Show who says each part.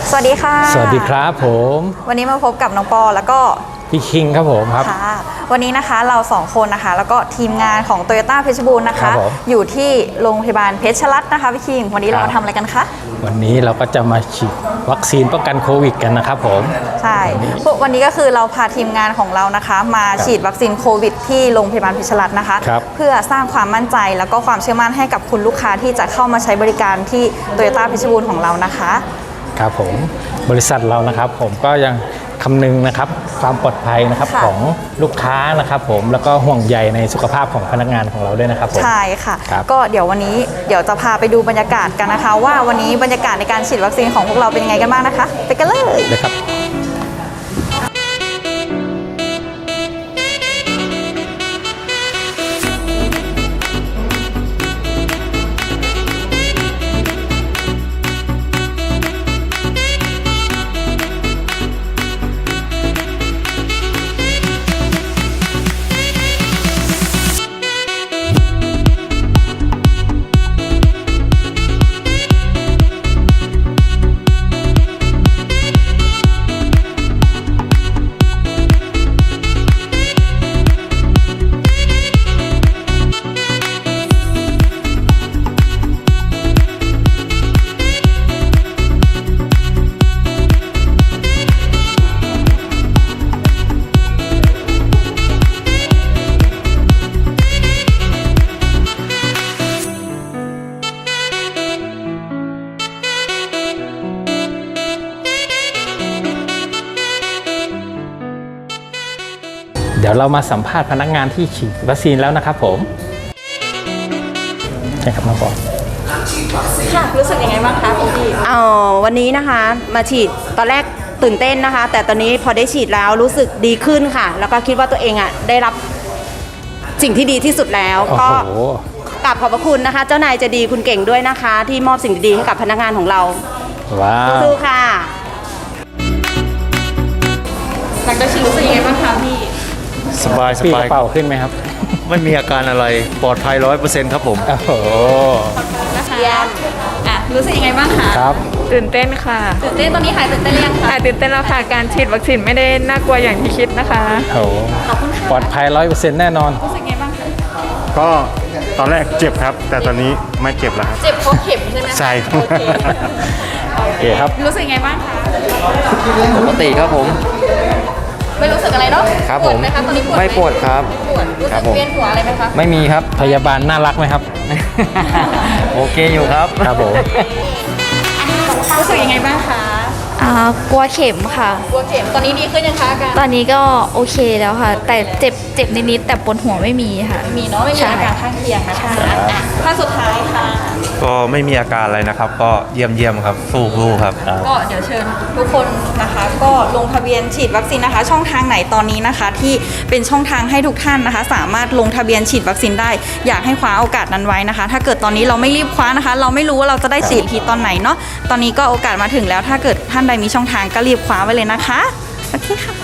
Speaker 1: สวัสดีค่ะ
Speaker 2: สวัสดีครับผม
Speaker 1: วันนี้มาพบกับน้องปอแล้วก็
Speaker 2: พี่คิงครับผมครับ
Speaker 1: ค่ะวันนี้นะคะเรา2คนนะคะแล้วก็ทีมงานของ Toyota เพชรบูรณ์นะคะอยู่ที่โรงพยาบาลเพชรรัตน์นะคะพี่คิงวันนี้เรามาทำอะไรกันคะ
Speaker 2: วันนี้เราก็จะมาฉีดวัคซีนป้องกันโควิดกันนะครับผม
Speaker 1: ใช่วันนี้ก็คือเราพาทีมงานของเรานะคะมาฉีดวัคซีนโควิดที่โรงพยาบาลเพชรรัตน์นะคะเพื่อสร้างความมั่นใจแล้วก็ความเชื่อมั่นให้กับคุณลูกค้าที่จะเข้ามาใช้บริการที่ Toyota เพชรบูรณ์ของเรานะคะ
Speaker 2: ครับผมบริษัทเรานะครับผมก็ยังคำนึงนะครับความปลอดภัยนะครับของลูกค้านะครับผมแล้วก็ห่วงใยในสุขภาพของพนักงานของเราด้วยนะครับผม
Speaker 1: ใช่ค่ะก็เดี๋ยววันนี้จะพาไปดูบรรยากาศกันนะคะว่าวันนี้บรรยากาศในการฉีดวัคซีนของพวกเราเป็นยังไงกันบ้างนะคะไปกันเลย
Speaker 2: ครับเดี๋ยวเรามาสัมภาษณ์พนักงานที่ฉีดวัคซีนแล้วนะครับผมใช่ครับน้องปอ
Speaker 1: ค่ะรู้สึกยังไงบ้างคะพี่
Speaker 3: วันนี้นะคะมาฉีดตอนแรกตื่นเต้นนะคะแต่ตอนนี้พอได้ฉีดแล้วรู้สึกดีขึ้นค่ะแล้วก็คิดว่าตัวเองได้รับสิ่งที่ดีที่สุดแล้วก็กราบขอบพระคุณนะคะเจ้านายใจดีคุณเก่งด้วยนะคะที่มอบสิ่งดีๆให้กับพนักงานของเรา
Speaker 2: ว้าว
Speaker 3: สู้ค่ะ
Speaker 1: หลังจากฉีดรู้สึกยังไงบ้างคะพี่
Speaker 4: สบาย
Speaker 2: เป่าขึ้นไหมครับ
Speaker 4: ไม่มีอาการอะไรปลอดภัย 100% ครับผม
Speaker 2: โอ้โห
Speaker 1: นะคะรู้สึกยังไงบ้างคะ
Speaker 2: ครับ
Speaker 5: ตื่นเต้นค่ะ
Speaker 1: ตื่นเต้นตอนนี้หายตื่นเต้นหรือยังคะ
Speaker 5: ตื่นเต้นแล้วค่ะการฉีดวัคซีนไม่ได้น่ากลัวอย่างที่คิดนะคะ
Speaker 2: โอ้ขอบคุณค่ะปลอดภัย 100% แน่นอน
Speaker 1: รู้สึกไงบ้างคะ
Speaker 4: ก็ตอนแรกเจ็บครับแต่ตอนนี้ไม่เจ็บแล้วครับ
Speaker 1: เจ็บเพราะเข็มใช่ไหม
Speaker 4: ใช่
Speaker 2: โอเคครับ
Speaker 1: รู้สึกไงบ้างคะ
Speaker 6: ปกติครับผม
Speaker 1: ไม่รู้สึกอะไรเนาะ
Speaker 6: ครับผม
Speaker 1: ไหมคะตอนนี้ปวด
Speaker 6: ไม่ปวดครับ
Speaker 1: ปวดรู้สึกเวียนหัวอะไรไหมคะ
Speaker 6: ไม่มีครับ
Speaker 2: พยาบาลน่ารักไหมครับ
Speaker 6: โอเคอยู่ครับ
Speaker 2: ครับผม
Speaker 1: รู้สึกยังไงบ้างคะ
Speaker 7: กลัวเข็มค่ะ
Speaker 1: กลัวเข็มตอนนี้ดีขึ้นยังคะอาการ
Speaker 7: ตอนนี้ก็โอเคแล้วค่ะแต่เจ็บนิดๆแต่ปวดหัวไม่มีค่ะ
Speaker 1: มีเนาะไม่มีอาการข้างเคียงนะคะท่านสุดท้ายค่ะ
Speaker 8: ก็ไม่มีอาการอะไรนะครับก็เยี่ยมครับสู้ครับ
Speaker 1: ก็เดี๋ยวเชิญทุกคนนะคะก็ลงทะเบียนฉีดวัคซีนนะคะช่องทางไหนตอนนี้นะคะที่เป็นช่องทางให้ทุกท่านนะคะสามารถลงทะเบียนฉีดวัคซีนได้อยากให้คว้าโอกาสนั้นไว้นะคะถ้าเกิดตอนนี้เราไม่รีบคว้านะคะเราไม่รู้ว่าเราจะได้ฉีดทีตอนไหนเนาะตอนนี้ก็โอกาสมาถึงแล้วถ้าเกิดท่านใดมีช่องทางก็รีบคว้าไว้เลยนะคะโอเคค่ะ